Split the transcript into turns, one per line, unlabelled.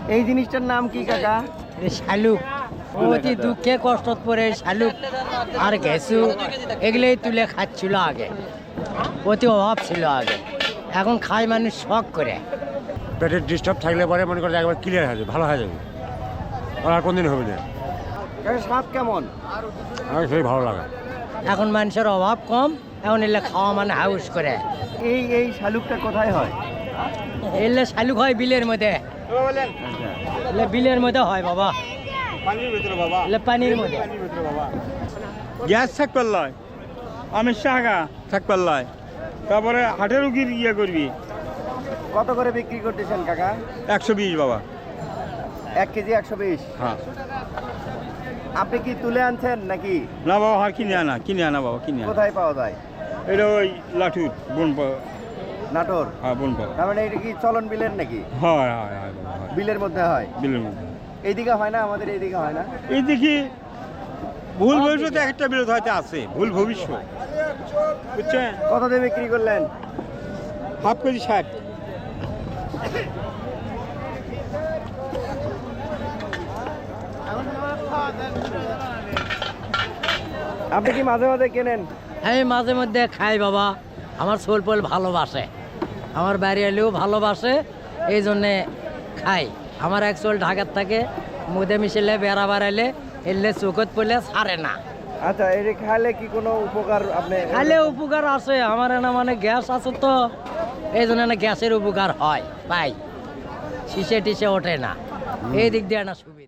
এই জিনিসটার নাম কি কাকা?
শালুক, অতি দুঃখে কষ্ট পরে শালুক আর ঘেঁসু এগুলোই তুলে খাচ্ছিল আগে, অতি অভাব ছিল আগে, এখন খায় মানুষ শখ করে।
পেটের ডিস্টার্ব থাকলে পরে মনে করে একবার ক্লিয়ার হয়ে যাবে, ভালো হয়ে যাবে, আর কোনদিন হবে না।
কাকা স্বাদ কেমন?
আমার সেই ভালো লাগে।
এখন মানুষের অভাব কম, এখন এলে খাওয়া মানে হাউস করে।
এই শালুকটা কোথায় হয়?
এলে শালুক হয় বিলের মধ্যে,
আচ্ছা,
এলে বিলের মধ্যে হয় বাবা, এলে পানির মধ্যে।
গ্যাস থাকবার লয়, আমের শাখা থাকবার লয়, তারপরে হাটের রুগীর ইয়ে করবি।
কত করে বিক্রি করতেছেন কাকা?
120 বাবা।
1 কেজি 120।
হ্যাঁ,
আপনি কি তুলে আনছেন নাকি?
না বাবা, আর কিনে আনা বাবা, কিনে আনা।
কোথায় পাওয়া যায়?
এটা ওই লাঠুর বন
নাটোর?
হ্যাঁ, বন পাওয়া।
তার মানে এটা কি চলন বিলের নাকি?
হয় হয় হয় বাবা, হয়।
বিলের মধ্যে হয়?
বিলের মধ্যে
এইদিকে হয় না, আমাদের এইদিকে হয় না।
এই দেখি ভুল ভবিষ্যতে একটা বিরোধ হয়তো আছে, ভুল ভবিষ্যৎ, বুঝছেন?
কত দিয়ে বিক্রি করলেন?
Half KG 60।
আপনি কি মাঝে মাঝে কেনেন?
আমি মাঝে মধ্যে খাই বাবা, আমার সোলপোল ভালোবাসে, আমার বাড়ি এলেও ভালোবাসে, এই জন্যে খাই। আমার এক সোল ঢাকার থাকে, মুদে মিশেলে বেড়া বাড়াইলে এলে চোখত পড়লে ছাড়ে না।
আচ্ছা, এটা খাইলে কি কোনো উপকার আপনি?
খাইলে উপকার আছে, আমার না মানে গ্যাস আছে তো, এই জন্য না গ্যাসের উপকার হয়, পাই, শিশে টিসে ওঠে না, এই দিক দিয়ে না সুবিধা।